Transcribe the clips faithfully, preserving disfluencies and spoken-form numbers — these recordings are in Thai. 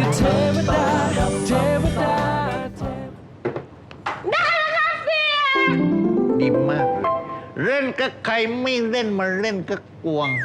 เทวดาเทวดาได้แล้วครับเสียดีมากเลยเล่นกับใครไม่เล่นมาเล่นกับกวง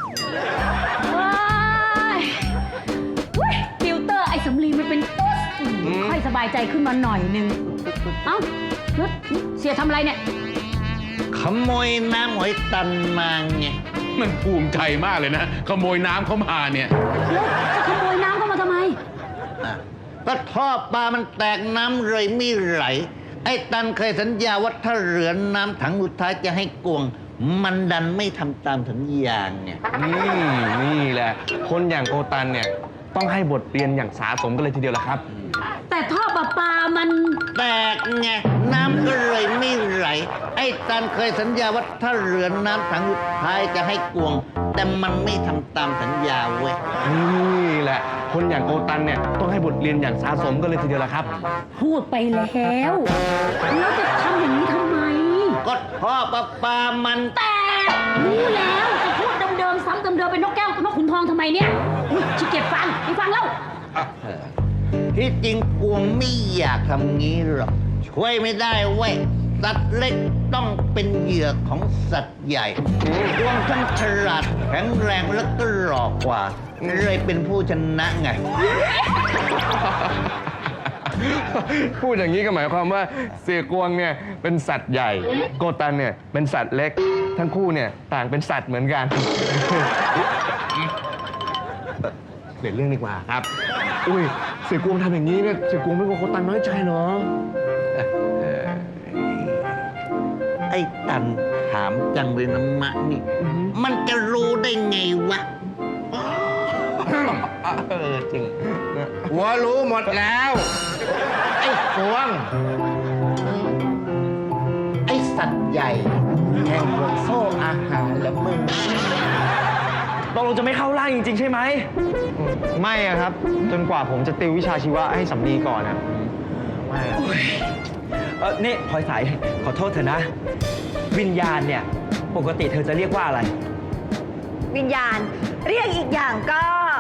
ฟิลเตอร์ไอ้สำลีมันเป็นตุ๊ดค่อยสบายใจขึ้นมาหน่อยนึง เอ้าแล้วเสียทำอะไรเนี่ยขโมยน้ำหอยตันมาไงมันภูมิใจมากเลยนะ ขโมยน้ำเข้ามาเนี่ยแล้วจะขโมยน้ำเข้ามาทำไมอ่ะก็ท่อปลามันแตกน้ำเลยไม่ไหล ไอ้ตันเคยสัญญาว่าถ้าเหลือน้ำถังสุดท้ายจะให้กวง มันดันไม่ทำตามสัญญาไงนี่นี่แหละ คนอย่างโกตันเนี่ยต้องให้บทเรียนอย่างสาสมกันเลยทีเดียวละครับแต่ท่อประปามันแตกไงน้ำก็เลยไม่ไหล ไอ้ตันเคยสัญญาว่าถ้าเหลือน้ำถังสุดท้ายจะให้กวง แต่มันไม่ทำตามสัญญาเว้ยนี่แหละ คนอย่างโกตันเนี่ยต้องให้บทเรียนอย่างสาสมกันเลยทีเดียวละครับพูดไปแล้ว แล้วจะทำอย่างนี้ทำไมก็ท่อประปามันแต่รู้แล้วจะพูดเดิมๆซ้ำเดิมๆเป็นนกแก้วนกขุนทองทำไมเนี่ยอุ๊ยขี้เกียจฟังไม่ฟังแล้วที่จริงกวงไม่อยากทำงี้หรอก ช่วยไม่ได้เว้ย สัตว์เล็กต้องเป็นเหยื่อของสัตว์ใหญ่กวงทั้งฉลาดแข็งแรงแล้วก็หล่อกว่า เลยเป็นผู้ชนะไงพูดอย่างนี้ก็หมายความว่าเสียกวงเนี่ยเป็นสัตว์ใหญ่ โกตันเนี่ยเป็นสัตว์เล็ก ทั้งคู่เนี่ยต่างเป็นสัตว์เหมือนกันเปลี่ยนเรื่องดีกว่าครับ อุ้ยเสียกวงทำอย่างนี้เนี่ยเสียกวงไม่กลัวโกตันน้อยใจเหรอไอ้ตันถามจังเลยนะมะนี่ มันจะรู้ได้ไงวะเออจริงนะหัวรู้หมดแล้ว ไอ้กวง ไอ้สัตว์ใหญ่แห่งห่วงโซ่อาหารแล้วมึงตกลงจะไม่เข้าร่างจริงๆใช่ไหม ไม่อะครับ จนกว่าผมจะติววิชาชีวะให้สำลีก่อนนะไม่อะเออนี่พลอยใสขอโทษเธอนะ วิญญาณเนี่ย ปกติเธอจะเรียกว่าอะไรวิญญาณเรียกอีกอย่างก็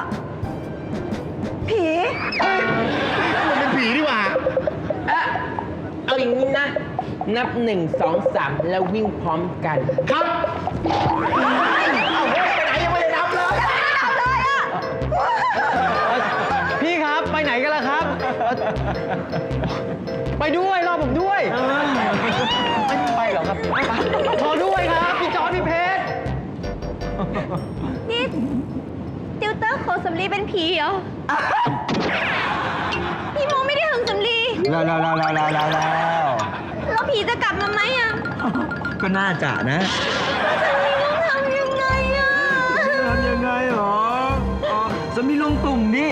ผีมันเป็นผีดีกว่าเอาอย่างนี้นะ นับหนึ่งสองสามแล้ววิ่งพร้อมกันครับ พี่ครับไปไหนกันล่ะครับ ไปด้วยรอผมด้วยไม่ไปหรอกครับขอด้วยครับพี่จอร์จพี่เพชรนี่ติวเตอร์ของสำลีเป็นผีเหรอ พี่โมไม่ได้หึงสำลีแล้วแล้วแล้วแล้วแล้วแล้วแล้วผีจะกลับมาไหมอ่ะก็น่าจะนะสำลีต้องทำยังไงอ่ะทำยังไงหรออ๋อสมีลงตุ่มนี่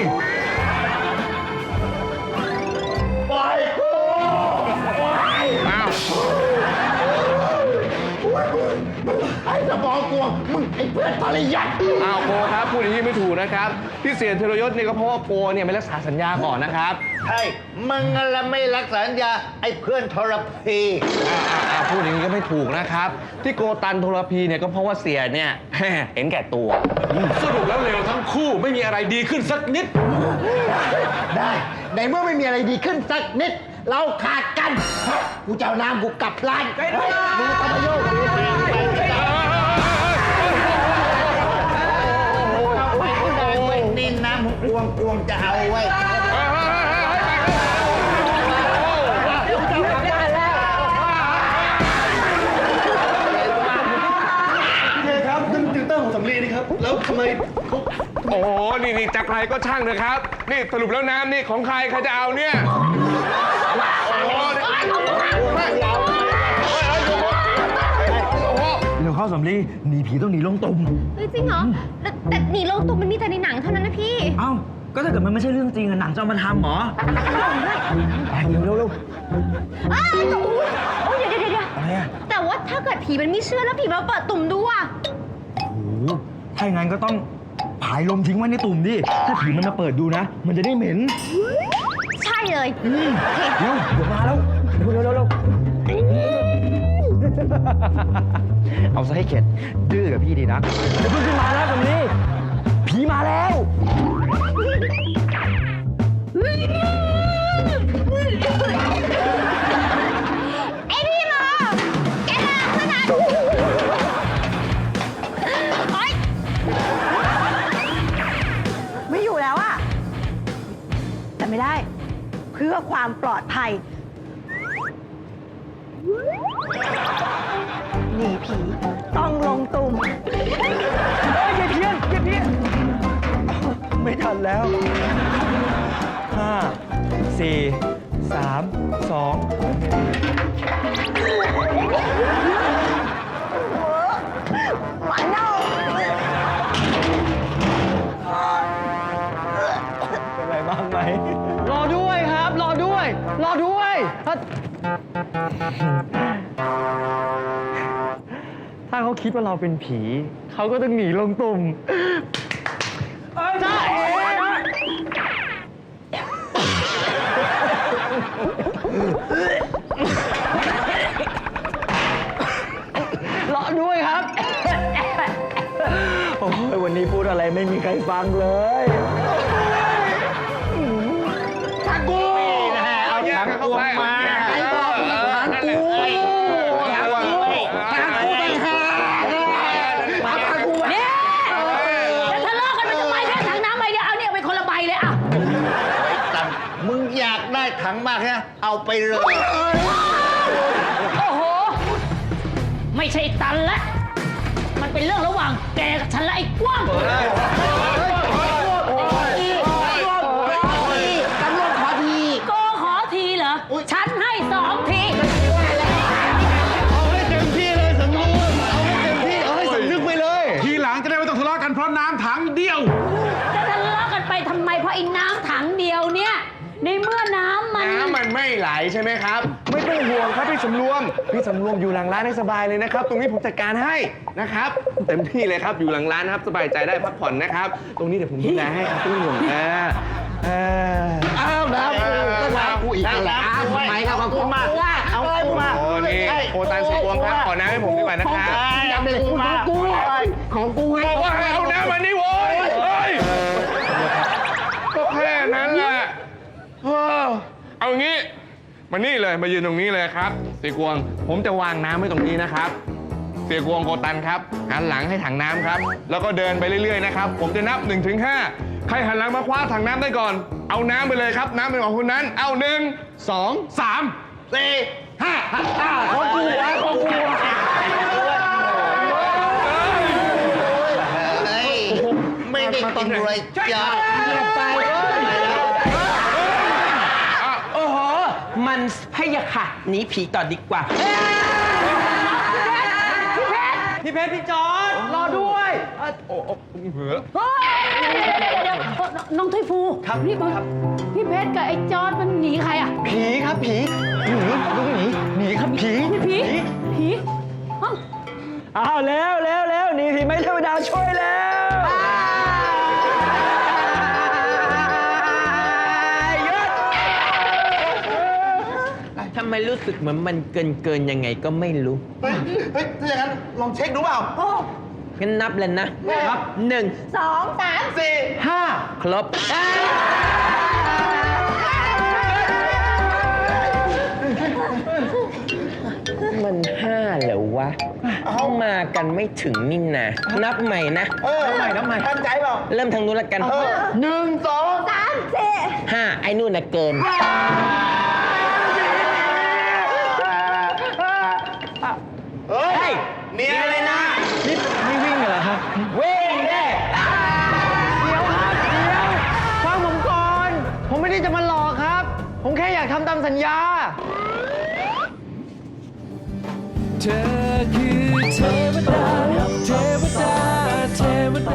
อ้าวไอ้สมองกวง มึงไอ้เพื่อนทรยศอ้าวโกครับพูดอย่างนี้ไม่ถูกนะครับที่เสียทรยศเนี่ยก็เพราะว่าโกเนี่ยไม่รักษาสัญญาก่อนนะครับใช่ มึงอะไรไม่รักษาสัญญา ไอ้เพื่อนทรพีอ่าอ่าอ่าพูดอย่างนี้ก็ไม่ถูกนะครับ ที่โกตันโทรพีเนี่ยก็เพราะว่าเสียเนี่ย เห็นแก่ตัวสรุปแล้วเร็วทั้งคู่ไม่มีอะไรดีขึ้นสักนิดได้ ในเมื่อไม่มีอะไรดีขึ้นสักนิด เราขาดกัน กูจะเอาน้ำกูกลับร้านไปด้วยมึงก็มาโยกกูไปไปก็ได้เว้ยนี่น้ำของกวงกวงจะเอาไว้แล้วทำไมเขาโอ้โห นี่นี่จากใครก็ช่างเถอะครับ นี่สรุปแล้วน้ำนี่ของใครใครจะเอาเนี่ย โอ้โหไม่เอาโอ้โหเร็วเข้าสำลีหนีผีต้องหนีลงตุ่มเฮ้ยจริงเหรอแต่แต่หนีลงตุ่มมันมีแต่ในหนังเท่านั้นนะพี่เอ้า ก็ถ้าเกิดมันไม่ใช่เรื่องจริงอะหนังจะเอามาทำเหรอไปเร็วเร็วเร็วอ้าวตุ่มโอ้ยเดี๋ยวเดี๋ยวเดี๋ยวอะไรอะแต่ว่าถ้าเกิดผีมันไม่เชื่อแล้วผีมาเปิดตุ่มดูอ่ะโอ้โหถ้าอย่างนั้นก็ต้องผายลมทิ้งไว้ในตุ่มดิ ถ้าผีมันมาเปิดดูนะ มันจะได้เหม็นใช่เลยอืมเร็วเดี๋ยวมาแล้ว เร็วเร็วเร็วเร็วเอาซะให้เข็ด ดื้อกับพี่ดีนะเดี๋ยวเพิ่งขึ้นมาแล้วสำลีผีมาแล้วอืไม่ได้ เพื่อความปลอดภัยหนีผีต้องลงตุ่มเฮ้ยอย่าเพี้ยนอย่าเพี้ยนไม่ทันแล้วห้าสี่สามสองหมาเน่าเป็นไรบ้างไหมรอด้วยครับ รอด้วย รอด้วยถ้าเขาคิดว่าเราเป็นผี เขาก็ต้องหนีลงตุ่มใช่รอด้วยครับ โอ้ยวันนี้พูดอะไรไม่มีใครฟังเลยถังกูเอาถังกูมาไอ้บอกถังกูถังกูถังกูไปหาเอาถังกูมาเนี่ยจะทะเลาะกันไปทำไมแค่ถังน้ำใบเดียวเอาเนี่ยเอาไปคนละใบเลยอ่ะตันมึงอยากได้ถังมากใช่ไหมเอาไปเลยโอ้โห ไม่ใช่ตันละ มันเป็นเรื่องระหว่างแกกับฉันและไอ้กว้างตำรวจขอทีโกขอทีเหรอ ฉันให้สองทีเอาให้เต็มที่เลยสำรวจเอาให้เต็มที่เอาให้สำนึกไปเลยทีหลังจะได้ไม่ต้องทะเลาะกันเพราะน้ำถังเดียวจะทะเลาะกันไปทำไมเพราะไอ้น้ำถังเดียวเนี่ย ในเมื่อน้ำมันน้ำมันไม่ไหลใช่ไหมครับ ไม่ต้องห่วงครับพี่สำรวม พี่สำรวมอยู่หลังร้านให้สบายเลยนะครับ ตรงนี้ผมจัดการให้นะครับ เต็มที่เลยครับอยู่หลังร้านนะครับ สบายใจได้พักผ่อนนะครับ ตรงนี้เดี๋ยวผมดูแลให้ครับไม่ต้องห่วงเออเอออ้าวน้ำกูก็น้ำกูอีกแล้วอ้าวทำไมครับเอากูมาเอากูมาโอ้นี่โคตันสกวงครับขอน้ำให้ผมดีกว่านะครับน้ำกูมากูของกูให้บอกว่าให้เอาน้ำมานี่โว้ยเฮ้ยก็แค่นั้นแหละเออเอางี้มานี่เลยมายืนตรงนี้เลยครับเสียกวงผมจะวางน้ำไว้ตรงนี้นะครับเสียกวงโกตันครับหันหลังให้ถังน้ำครับแล้วก็เดินไปเรื่อยๆนะครับผมจะนับหนึ่งถึงห้าใครหันหลังมาคว้าถังน้ำได้ก่อนเอาน้ำไปเลยครับน้ำเป็นของคนนั้นเอาหนึ่งสองสามสี่ห้าห้าของกูวะของกูเฮ้ยไม่ได้กินเลยจ้าไปเลยโอ้โห มันพยาค่ะหนีผีต่อดีกว่า พี่เพชร พี่จอร์ดรอด้วยเหือเฮ้ยเดี๋ยวเดี๋ยวเดี๋ยวน้องถ้วยฟูครับนี่มันครับพี่เพชรกับไอ้จอร์ดมันหนีใครอ่ะผีครับผีหนีลุงหนีหนีครับผีผีผีเอ้าอ้าวแล้วแล้วแล้วหนีผีไม่เทวดาช่วยแล้วหยุดทำไมรู้สึกเหมือนมันเกินเกินๆยังไงก็ไม่รู้เฮ้ยเฮ้ยถ้าอย่างนั้นลองเช็คดูเปล่างั้นนับเลยนะหนึ่งสองสามสี่ห้าครบ มันห้าเหรอวะเอามากันไม่ถึงนี่นะนับใหม่นะเออน้ำใหม่น้ำใหม่มั่นใจเปล่าเริ่มทางนู้นละกันหนึ่งสองสามสี่ห้าไอ้นู่นน่ะเกินเฮ้ยเนียนเลยนะนี่ไม่วิ่งเหรอครับวิ่งเด้เดี๋ยวครับเดี๋ยวฟังผมก่อน ผมไม่ได้จะมาหลอกครับ ผมแค่อยากทำตามสัญญาเธอคือ